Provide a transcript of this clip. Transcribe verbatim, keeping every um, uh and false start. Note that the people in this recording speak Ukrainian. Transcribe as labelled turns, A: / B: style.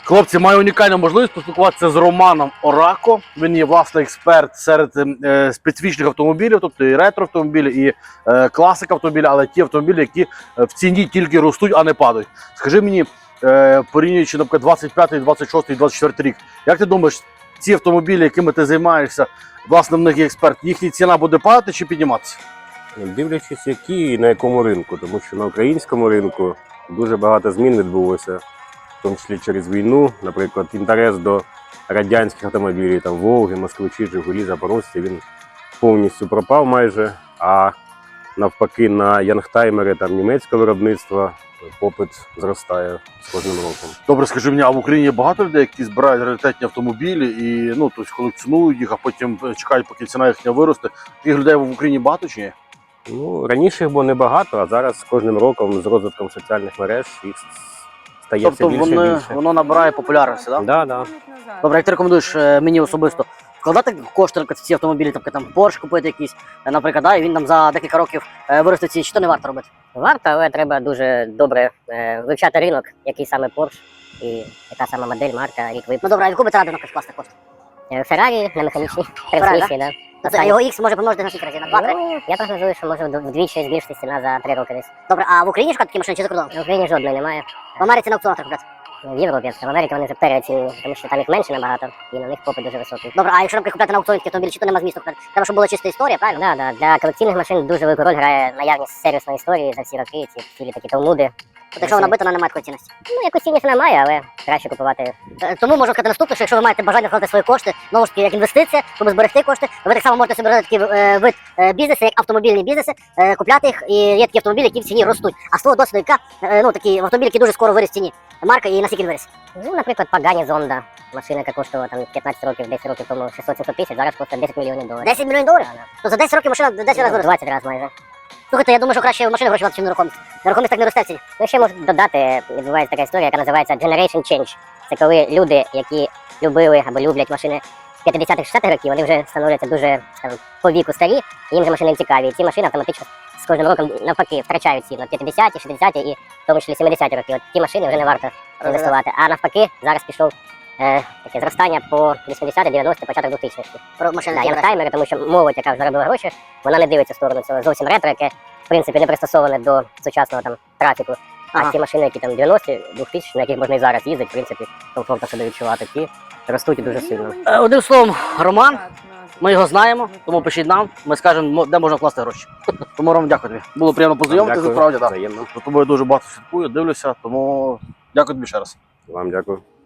A: Хлопці, маю унікальну можливість поспілкуватися з Романом Орако. Він є власний експерт серед е, специфічних автомобілів, тобто і ретро-автомобілі, і е, класика автомобілі, але ті автомобілі, які в ціні тільки ростуть, а не падають. Скажи мені, е, порівнюючи, наприклад, двадцять п'ятий, двадцять шостий, двадцять четвертий рік, як ти думаєш, ці автомобілі, якими ти займаєшся, власне, в них є експерт, їхня ціна буде падати чи підніматися?
B: Дивлячись, які і на якому ринку, тому що на українському ринку дуже багато змін відбулося, в тому числі через війну. Наприклад, інтерес до радянських автомобілів, там Волги, Москвичі, Жигулі, Запорожці, він повністю пропав майже, а навпаки на янгтаймери там німецького виробництва попит зростає з кожним роком.
A: Добре, скажи мені, а в Україні є багато людей, які збирають раритетні автомобілі і ну, тобто колекціонують їх, а потім чекають, поки ціна їхня виросте. Таких людей в Україні багато чи ні?
B: Ну, раніше їх було небагато, а зараз з кожним роком, з розвитком соціальних мереж, їх стає
A: Тобто
B: все більше
A: вони,
B: і більше.
A: воно набирає популярності, так?
B: Да, да.
A: Добре, як ти рекомендуєш е, мені особисто вкладати кошти в ці автомобілі, тобто там Porsche купити якийсь, е, наприклад, да, і він там за декілька років е, виросте ці, чи то не варто робити?
C: Варто, але треба дуже добре е, вивчати ринок, який саме Porsche і яка саме модель, марка, рік випуску.
A: Ну добре, а яку би ти радив, наприклад, класти кошти?
C: Е, Феррарі на механічній
A: Феррарі,
C: трансмісії, да?
A: Тобто його X може помножити на скільки разів? На два-три?
C: Ну, я прогнозую, що може вд- вдвічі збільшити ціна за три роки десь.
A: Добре, а в Україні шукати такі машини чи за кордоном?
C: В Україні жодної немає.
A: В Америці на аукціонах так купляти?
C: В Європі, а в Америці вони вже переоцінені, тому що там їх менше набагато, і на них попит дуже високий.
A: Добре, а якщо, наприклад, купляти на аукціоні такі автомобілі, чи то нема змісту купляти? Треба, щоб була чиста історія, правильно?
C: Да, да. Для колекційних машин дуже велику роль грає наявність сервісної історії за всі роки, ці цілі такі талмуди.
A: Тобто, якщо вона бита, вона не має такої цінності.
C: Ну, якусь цінність вона має, але краще купувати.
A: Е, Тому можу сказати наступне, що якщо ви маєте бажання вкладати свої кошти, знову ж таки, як інвестиція, щоб зберегти кошти, ви так само можете собі робити такий е, вид е, бізнесу, як автомобільні бізнеси, е, купляти їх, і є такі автомобілі, які в ціні ростуть. А з того досвіду, яка, е, ну, такі автомобілі, які дуже скоро виріс в ціні. Марка і наскільки він виріс?
C: Ну, наприклад, Pagani Zonda. Машина, яка коштувала там п'ятнадцять років, десять років тому шістсот-сімсот тисяч, зараз коштує десять мільйонів доларів.
A: десять мільйонів доларів?
C: Да, да.
A: То за десять років машина десять разів виросла.
C: двадцять разів майже.
A: Слухайте, я думаю, що краще в машини гроші ніж в нерухомість. Нерухомість так не росте в ціні.
C: Ну, ще можу додати, відбувається така історія, яка називається Generation Change. Це коли люди, які любили або люблять машини п'ятдесятих-шістдесятих років, вони вже становляться дуже, скажімо, по віку старі, і їм вже машини не цікаві. І ці машини автоматично з кожним роком навпаки втрачають ціну. п'ятдесяті, шістдесяті і в тому числі сімдесяті роки. От ті машини вже не варто інвестувати. А навпаки, зараз пішов е, таке зростання по вісімдесяті, дев'яності, початок двохтисячних.
A: Про машини
C: Да,
A: які
C: янгтаймери, тому що молодь, яка вже заробила гроші, вона не дивиться в сторону цього зовсім ретро, яке в принципі не пристосоване до сучасного там трафіку. А
A: Ага.
C: ті машини, які там дев'яності, двохтисячні, на яких можна і зараз їздити, в принципі, комфортно себе відчувати, ті ростуть дуже сильно.
A: Е, Одним словом, Роман, ми його знаємо, тому пишіть нам, ми скажемо, де можна вкласти гроші. Тому, Ром, дякую тобі. Було приємно познайомитися,
B: Дякую.
A: справді, так.
B: Взаємно.
A: За тобою дуже багато слідкую, дивлюся, тому дякую тобі ще раз.
B: Вам дякую.